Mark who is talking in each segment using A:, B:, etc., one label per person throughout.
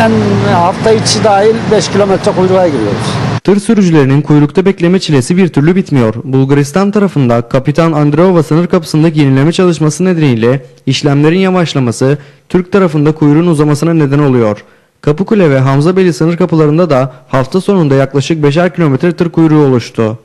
A: En hafta içi dahil 5 kilometre kuyruğa giriyoruz.
B: Tır sürücülerinin kuyrukta bekleme çilesi bir türlü bitmiyor. Bulgaristan tarafında Kapitan Andreova sınır kapısındaki yenileme çalışması nedeniyle işlemlerin yavaşlaması Türk tarafında kuyruğun uzamasına neden oluyor. Kapıkule ve Hamzabeyli sınır kapılarında da hafta sonunda yaklaşık 5'er kilometre tır kuyruğu oluştu.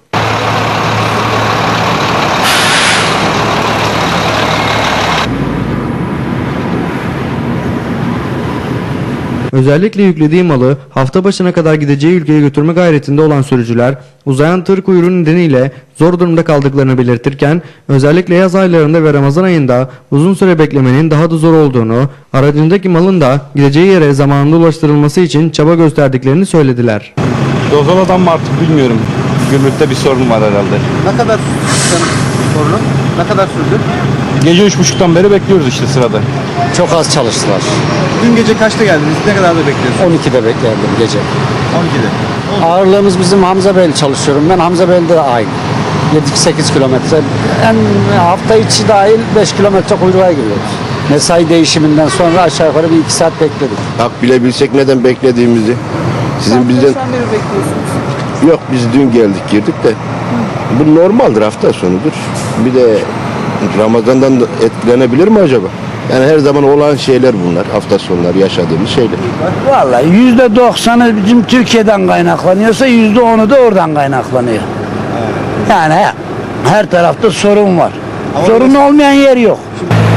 B: Özellikle yüklediği malı hafta başına kadar gideceği ülkeye götürme gayretinde olan sürücüler uzayan tır kuyruğu nedeniyle zor durumda kaldıklarını belirtirken özellikle yaz aylarında ve Ramazan ayında uzun süre beklemenin daha da zor olduğunu, aracındaki malın da gideceği yere zamanında ulaştırılması için çaba gösterdiklerini söylediler.
C: Dozoladan mı artık bilmiyorum. Gümrükte bir sorun var herhalde.
D: Ne kadar sorunu? Ne kadar sürdü?
C: Gece 3.30'dan beri bekliyoruz işte sırada.
A: Çok az çalıştılar.
D: Dün gece kaçta geldiniz? Ne kadar da bekliyorsunuz?
A: 12'de beklerdim gece.
D: 12'de.
A: Ağırlığımız bizim Hamzabeyli çalışıyorum. Ben Hamzabeyli'de de aynı. 7-8 kilometre. En hafta içi dahil 5 kilometre kuyruğa giriyoruz. Mesai değişiminden sonra aşağı yukarı bir 2 saat bekledik.
E: Hak bile bilsek neden beklediğimizi. Sizin bizden...
F: beri bekliyorsunuz?
E: Yok biz dün geldik girdik de. Bu normaldir, hafta sonudur. Bir de Ramazan'dan da etkilenebilir mi acaba? Yani her zaman olan şeyler bunlar. Hafta sonları yaşadığımız şeyler.
G: Vallahi %90'ı bizim Türkiye'den kaynaklanıyorsa %10'u da oradan kaynaklanıyor. Yani her tarafta sorun var. Sorun olmayan yer yok.